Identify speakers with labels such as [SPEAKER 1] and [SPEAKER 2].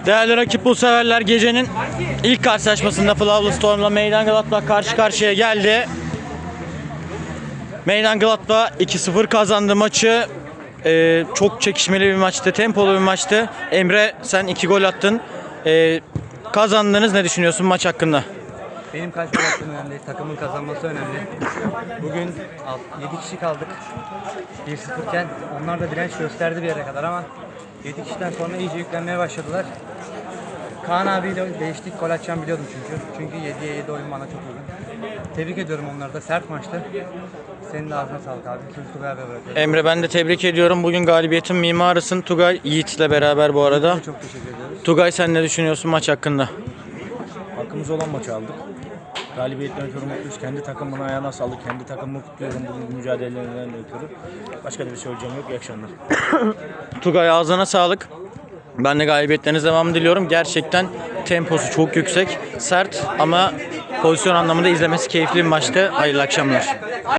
[SPEAKER 1] Değerli rakip severler, gecenin ilk karşılaşmasında Flawless Storm'la Meydan Gladbach karşı karşıya geldi. Meydan Gladbach 2-0 kazandı maçı. Çok çekişmeli bir maçtı, tempolu bir maçtı. Emre, sen 2 gol attın. Kazandınız, ne düşünüyorsun maç hakkında?
[SPEAKER 2] Benim kaç gol attığım önemli değil, takımın kazanması önemli. Bugün 7 kişi kaldık. 1-0 iken onlar da direnç gösterdi bir yere kadar ama 7 kişiden sonra iyice yüklenmeye başladılar. Kaan abiyle değiştik, gol atacağım biliyordum çünkü. Çünkü 7'ye 7 oyun bana çok uygun. Tebrik ediyorum onları da, sert maçtı. Senin de ağzına sağlık abi. Sözü Tugay'a bırakıyorum.
[SPEAKER 1] Emre, ben de tebrik ediyorum. Bugün galibiyetin mimarısın. Tugay Yiğit'le beraber bu arada.
[SPEAKER 2] Çok teşekkür ediyoruz.
[SPEAKER 1] Tugay, sen ne düşünüyorsun maç hakkında?
[SPEAKER 3] Hakkımız olan maçı aldık. Galibiyetten ötürü mutluyuz. Kendi takımının ayağına sağlık. Kendi takımımı kutluyorum bugün mücadelelerinden ötürü. Başka da bir söyleyeceğim yok. İyi akşamlar.
[SPEAKER 1] Tugay, ağzına sağlık. Ben de galibiyetleriniz devamını diliyorum. Gerçekten temposu çok yüksek, sert ama pozisyon anlamında izlemesi keyifli bir maçtı. Hayırlı akşamlar.